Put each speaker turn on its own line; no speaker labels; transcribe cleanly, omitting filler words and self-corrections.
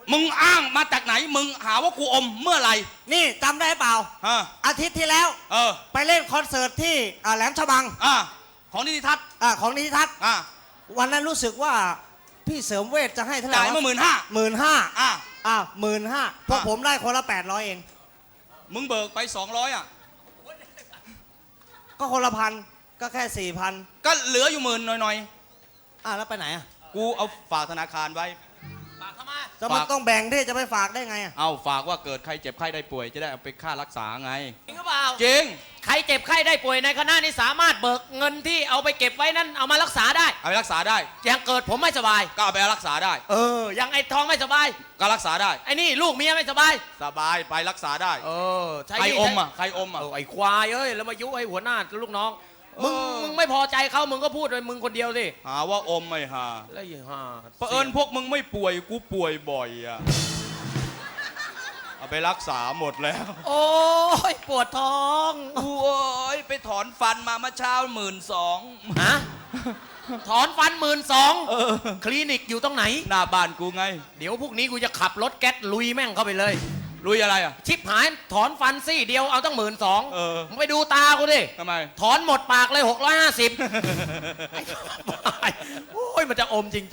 มึงอ้างมาจากไหนมึงหาว่ากูอมเมื่อไหร่
นี่จำได้เปล่าอาทิตย์ที่แล้วไปเล่นคอนเสิร์ตที่แหลมฉบัง
ของนิติทัศน์
ของนิติทัศน์วันนั้นรู้สึกว่าพี่เสริมเวชจะให้เท่าไหร่
จ่ายมา15,000
15,000พวกผมได้คนละ800เอง
มึงเบิกไป200
ก็คนละ1,000ก็แค่4,000
ก็เหลืออยู่10,000หน่อย
แล้วไปไหน
กูเอาฝากธนาคารไว้
ฝากทำไมจะมันต้องแบ่งที่จะไปฝากได้ไง
เอาฝากว่าเกิดใครเจ็บใครได้ป่วยจะได้เอาไปค่ารักษาไง
จริงหรือเปล่า
จริง
ใครเจ็บใครได้ป่วยในคณะนี้สามารถเบิกเงินที่เอาไปเก็บไว้นั้นเอามารักษาได้
เอาไปรักษาได้
อย่างเกิดผมไม่สบาย
ก็เอาไปรักษาได้
อย่างไอ้ทองไม่สบาย
ก็รักษาได้
ไอ้นี่ลูกเมียไม่สบาย
สบายไปรักษาได้
ใคร
อมใครอม
ไอ้ควายแล้วมายุให้หัวหน้าลูกน้องมึงไม่พอใจเขามึงก็พูดเลยมึงคนเดียวสิ
หาว่าอมไม่หา
แล้วอย่าหา
เผอิญพวกมึงไม่ป่วยกูป่วยบ่อยเอาไปรักษาหมดแล้ว
โอ้ยปวดท้อง
โอ้ยไปถอนฟันมาเมื่อเช้า12,000
ถอนฟัน12,000คลินิกอยู่ตรงไหน
หน้าบ้านกูไง
เดี๋ยวพวกนี้กูจะขับรถแก๊สลุยแม่งเข้าไปเลย
ลุยอะไร
ชิบหายถอนฟันซี่เดียวเอาตั้ง12,000มึงไปดูตากูดิ
ทำไม
ถอนหมดปากเลย650โอ้ยมันจะอมจริง